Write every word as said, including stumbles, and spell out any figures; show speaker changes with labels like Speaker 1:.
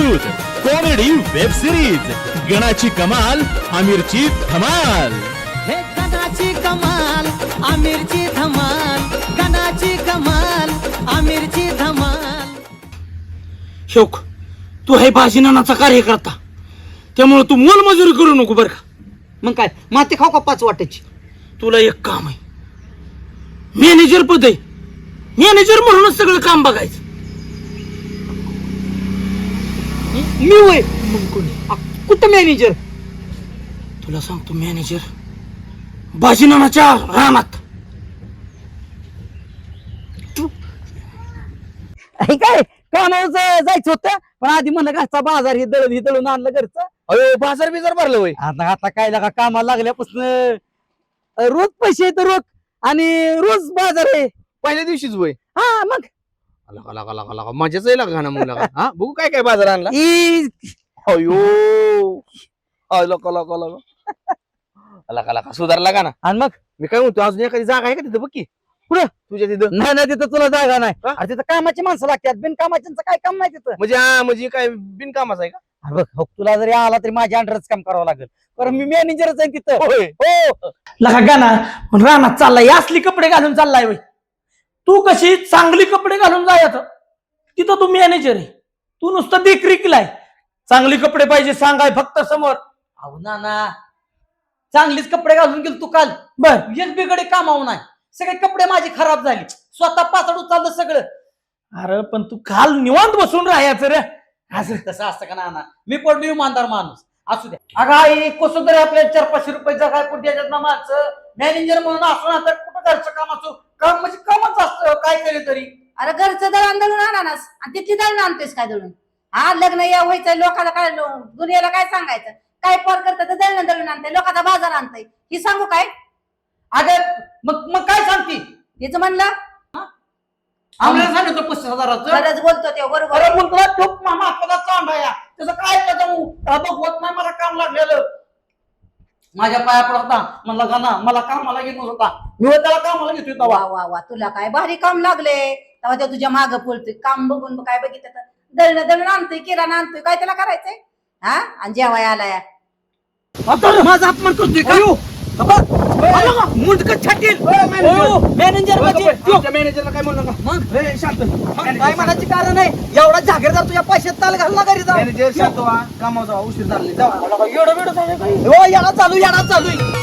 Speaker 1: प्रस्तुत comedy web series गणाची कमाल आमिरची धमाल।
Speaker 2: हे गणाची कमाल आमिरची धमाल, गणाची कमाल आमिरची धमाल।
Speaker 3: शोक, तू हे भाजीनानाचा कार्यकर्ता, त्यामुळे तू मोलमजुरी करू नको बरं का।
Speaker 4: मग काय माती खाऊ का पाच वाटायची?
Speaker 3: तुला एक काम आहे, मॅनेजर पद आहे, मॅनेजर म्हणूनच सगळं काम बघायचं।
Speaker 4: मी होय मग कोणी? आ, कुठं मॅनेजर?
Speaker 3: तुला सांगतो मॅनेजर भाजीनानाच्या रानात।
Speaker 4: हे काय कामावर जायचं होतं, पण आधी म्हणलं घरचा बाजार हे दळून हे दळून आणलं घरचं।
Speaker 5: अयो बाजार बिजार भरलं होय?
Speaker 4: आता आता काय लागा कामाला लागल्यापासून रोज पैसे येतं रोज आणि रोज बाजार आहे।
Speaker 5: पहिल्या दिवशीच होय?
Speaker 4: हा मग
Speaker 5: लगा लगा लगा लगा मजाच आहे लगा ना मग लगा हा बघू काय काय बाजार आणला।
Speaker 4: ई,
Speaker 5: अयो अय लका लका लका लका लका सुधारला का ना?
Speaker 4: आणि मग
Speaker 5: मी काय म्हणतो अजून एखादी जागा आहे का तिथं बघ की?
Speaker 4: कुठं?
Speaker 5: तुझ्या तिथं
Speaker 4: नाही नाही तिथं तुला जागा नाही।
Speaker 5: हा?
Speaker 4: अरे तिथं कामाची माणसं लागतात, बिन कामाच्यांचं काय काम नाही तिथं।
Speaker 5: म्हणजे हा म्हणजे काय बिनकामाचं आहे का?
Speaker 4: अरे बघ हो, तुला जरी आला तरी माझ्या अंडरच काम करावं लागेल, कारण मी मॅनेजरच आहे तिथं।
Speaker 5: होय
Speaker 4: हो
Speaker 3: लगा गाना पण रानात चाललाय, असली कपडे घालून चाललाय वय। तू कशी चांगली कपडे घालून जायचं, तिथं तू मॅनेजर आहे, तू नुसतं देखरेखीलाय। चांगली कपडे पाहिजे सांगाय फक्त समोर।
Speaker 4: अहो ना ना चांगलीच कपडे घालून गेलो तू काल,
Speaker 3: बर
Speaker 4: एक बिगडे कामावून नाही, सगळे कपडे माझी खराब झाली, स्वतः पाचड चाललं सगळं।
Speaker 3: अरे पण तू काल निवांत बसून राहायचं रे।
Speaker 4: असं तसं असतं का ना, मी पडलो इमानदार माणूस, असू द्या। अगं आई कसं तरी आपल्याला चार पाचशे रुपये जगाय पुढे द्यायच्यात ना माणसं, मॅनेजर म्हणून असो ना तर कुठं घरचं कामाचं काम म्हणजे कामच असतं काय केलं तरी।
Speaker 6: अरे घरचं दळण दळून आणानास आणि तिथली दळण आणतेस काय दळून? हा लग्न या व्हायचं, लोकाला काय दुनियाला काय सांगायचं, काय पर करतं तर दळण दळून आणतंय, लोकांचा बाजार आणतंय, ही सांगू काय?
Speaker 4: अगं मग मग काय सांगते?
Speaker 6: तिचं म्हणलं
Speaker 4: आम्हाला सांगितलं पस्तीस हजाराचं।
Speaker 6: खरंच बोलतो ते बरोबर
Speaker 4: अरे मग तुला ठोक मामा आपला चांडा या त्याचं काय जाऊ बघवत नाही, मला काम लागलेलं माझ्या पाया पडता म्हणला का ना मला कामाला घेत होता, मी त्याला कामाला घेतोय
Speaker 6: वा
Speaker 4: तेव्हा।
Speaker 6: वा वा तुला काय भारी काम लागले, तेव्हा ते तुझ्या मागं पळतोय, काम बघून काय बघितलं तर दळण दळण आणतोय, किराणा आणतोय, काय त्याला करायचंय हा? आणि जेवाय आलाय
Speaker 4: माझा अपमान करतोय का? मुंडक छाटील मॅनेजर
Speaker 5: मॅनेजरला काय म्हणलं का?
Speaker 4: मग
Speaker 5: ए, शांत
Speaker 4: काय म्हणायचे कारण आहे? एवढा जागीरदार तुझ्या पैशात ताल घालला घरी जाऊ।
Speaker 5: मॅनेजर शांत व्हा, कामावर जावा, उशीर झाले जावा।
Speaker 4: एवढं वेळ हो याला चालू याला चालू